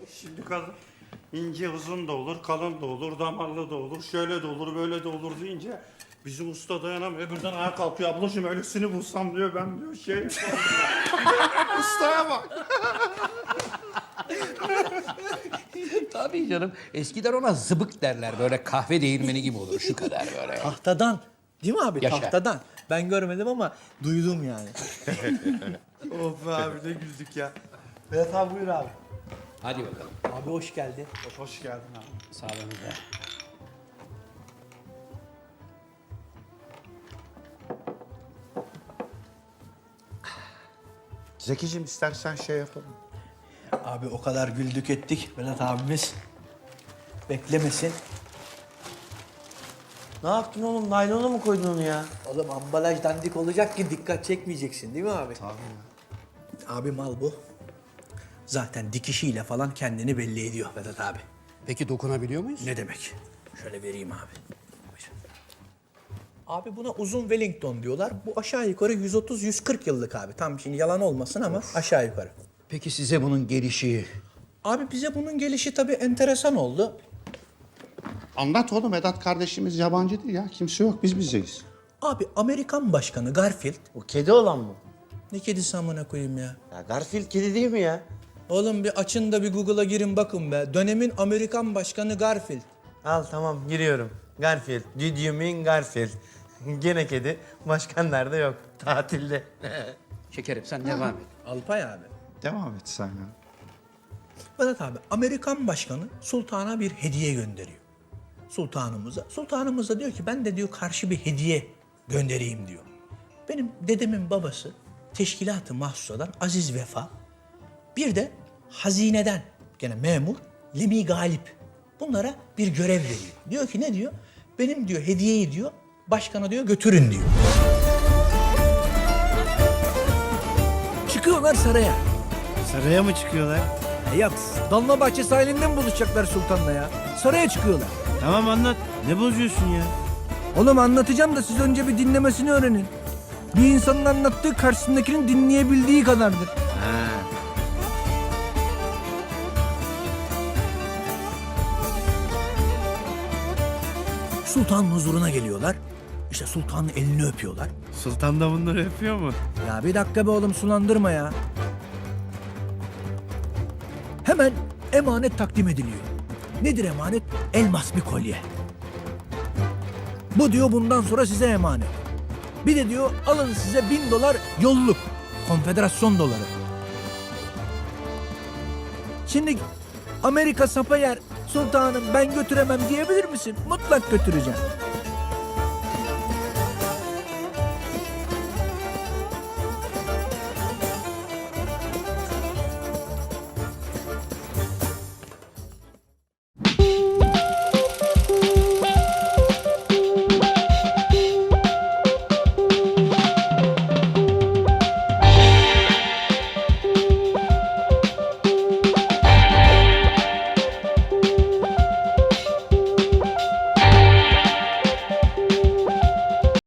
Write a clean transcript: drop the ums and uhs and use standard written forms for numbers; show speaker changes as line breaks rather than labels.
Şimdi kadın ince uzun da olur, kalın da olur, damarlı da olur, şöyle de olur, böyle de olur deyince bizim usta dayanamıyor. Birden ayağa kalkıyor. Ablacığım öylesini bulsam diyor, ben diyor şey ustaya bak.
Tabii canım. Eskiden ona zıbık derler. Böyle kahve değirmeni gibi olur. Şu kadar böyle.
Tahtadan. Değil mi abi?
Yaşa.
Tahtadan. Ben görmedim ama duydum yani.
Of be abi ne güldük ya. Vedat abi buyur abi.
Hadi bakalım.
Abi hoş geldin.
Hoş geldin abi.
Sağlığınıza.
Zekicim istersen şey yapalım.
Abi o kadar güldük ettik Vedat abimiz. Beklemesin.
Ne yaptın oğlum? Naylona mı koydun onu ya?
Oğlum ambalaj dandik olacak ki dikkat çekmeyeceksin değil mi abi? Tabii. Abi mal bu. Zaten dikişiyle falan kendini belli ediyor Vedat abi.
Peki dokunabiliyor muyuz?
Ne demek? Şöyle vereyim abi. Buyur. Abi buna uzun Wellington diyorlar. Bu aşağı yukarı 130-140 yıllık abi. Tam şimdi yalan olmasın ama aşağı yukarı.
Peki size bunun gelişi...
Abi bize bunun gelişi tabii enteresan oldu.
Anlat oğlum, Vedat kardeşimiz yabancı değil ya. Kimse yok, biz bizeyiz.
Abi Amerikan Başkanı Garfield...
O kedi olan mı?
Ne kedisi amına koyayım ya?
Ya Garfield kedi değil mi ya?
Oğlum bir açın da bir Google'a girin bakın be. Dönemin Amerikan Başkanı Garfield.
Al tamam giriyorum. Garfield. Did you mean Garfield? Gene kedi. Başkan nerede yok. Tatilde.
Şekerim sen devam et.
Alpay abi.
Devam et sen ya.
Vedat abi Amerikan Başkanı sultana bir hediye gönderiyor. Sultanımıza. Sultanımız da diyor ki ben de diyor karşı bir hediye göndereyim diyor. Benim dedemin babası teşkilat-ı mahsusadan Aziz Vefa. Bir de hazineden gene memur Lemi Galip. Bunlara bir görev veriyor. Diyor ki ne diyor? Benim diyor hediyeyi diyor başkana diyor götürün diyor. Çıkıyorlar saraya.
Saraya mı çıkıyorlar?
Yok, Dolmabahçe sahilinde mi buluşacaklar sultanla ya? Saraya çıkıyorlar.
Tamam anlat. Ne bozuyorsun ya?
Oğlum anlatacağım da siz önce bir dinlemesini öğrenin. Bir insanın anlattığı karşısındakinin dinleyebildiği kadardır.
Ha.
Sultanın huzuruna geliyorlar. İşte sultanın elini öpüyorlar.
Sultan da bunları öpüyor mu?
Ya bir dakika be oğlum sulandırma ya. Hemen emanet takdim ediliyor. Nedir emanet? Elmas bir kolye. Bu diyor bundan sonra size emanet. Bir de diyor alın size $1000 yolluk. Konfederasyon doları. Şimdi Amerika sapa yer sultanım ben götüremem diyebilir misin? Mutlak götüreceğim.